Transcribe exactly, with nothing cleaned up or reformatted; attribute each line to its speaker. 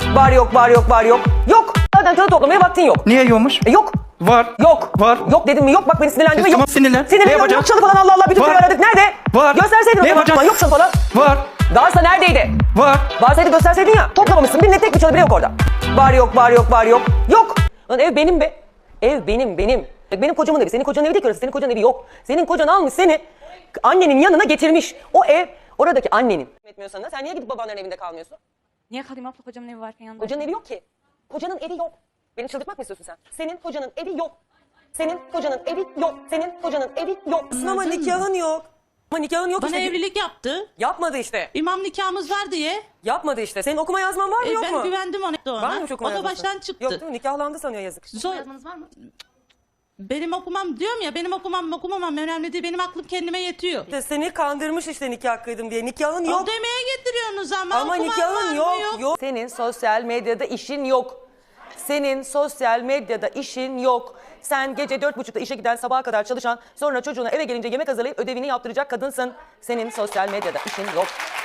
Speaker 1: Var yok, var yok, var yok. Yok. Zaten kağıt toplamaya vaktin yok.
Speaker 2: Niye yokmuş?
Speaker 1: E, yok.
Speaker 2: Var.
Speaker 1: Yok.
Speaker 2: Var.
Speaker 1: Yok dedim mi? Yok. Bak beni sinirlendirme.
Speaker 2: Tamam,
Speaker 1: Yok.
Speaker 2: sinirlen.
Speaker 1: Sinirlen.
Speaker 2: Ne
Speaker 1: Yok,
Speaker 2: yapacağım?
Speaker 1: yok çalı falan, Allah Allah. Bütün
Speaker 2: Var.
Speaker 1: köyü aradık. Nerede?
Speaker 2: Var.
Speaker 1: Gösterseydin.
Speaker 2: Ne
Speaker 1: o zaman.
Speaker 2: yapacağım?
Speaker 1: Yok çalı falan.
Speaker 2: Var.
Speaker 1: Varsa neredeydi?
Speaker 2: Var.
Speaker 1: Varsaydı gösterseydin ya. Toplamamışsın. Bir ne tek bir çalı bile yok orada. Var yok, var yok, var yok. Yok. Lan ev benim be. Ev benim, benim. Benim kocamın evi. Senin kocanın evi değil ki orası. Senin kocanın evi yok. Senin kocan almış seni annenin yanına getirmiş. O ev oradaki annenin. Etmiyorsan da sen niye gidip babanların evinde kalmıyorsun?
Speaker 3: Niye kalayım abla, kocamın evi varken yanında?
Speaker 1: Kocanın evi yok ki. Kocanın evi yok. Beni çıldırtmak mı istiyorsun sen? Senin kocanın evi yok. Senin kocanın evi yok. Senin kocanın evi yok. Ama nikahın yok. Ama nikahın yok
Speaker 4: Bana
Speaker 1: işte.
Speaker 4: evlilik yaptı.
Speaker 1: Yapmadı işte.
Speaker 4: İmam nikahımız var diye.
Speaker 1: Yapmadı işte. Senin okuma yazman var mı
Speaker 4: E,
Speaker 1: yok
Speaker 4: ben
Speaker 1: mu?
Speaker 4: güvendim ona.
Speaker 1: Var mı hiç okuma
Speaker 4: O da
Speaker 1: yazması?
Speaker 4: baştan çıktı.
Speaker 1: Yok değil mi? Nikahlandı sanıyor yazık.
Speaker 4: Zor.
Speaker 3: Yazmanız var mı?
Speaker 4: Benim okumam diyorum ya, benim okumam okumamam önemli değil. Benim aklım kendime yetiyor.
Speaker 1: İşte seni kandırmış işte nikah kıydım diye. Nikahın yok.
Speaker 4: O demeye getiriyorsunuz ama.
Speaker 1: Ama
Speaker 4: okumam var
Speaker 1: nikahın
Speaker 4: mı?
Speaker 1: yok, yok. Senin sosyal medyada işin yok. Senin sosyal medyada işin yok. Sen gece dört buçukta işe giden, sabaha kadar çalışan, sonra çocuğuna eve gelince yemek hazırlayıp ödevini yaptıracak kadınsın. Senin sosyal medyada işin yok.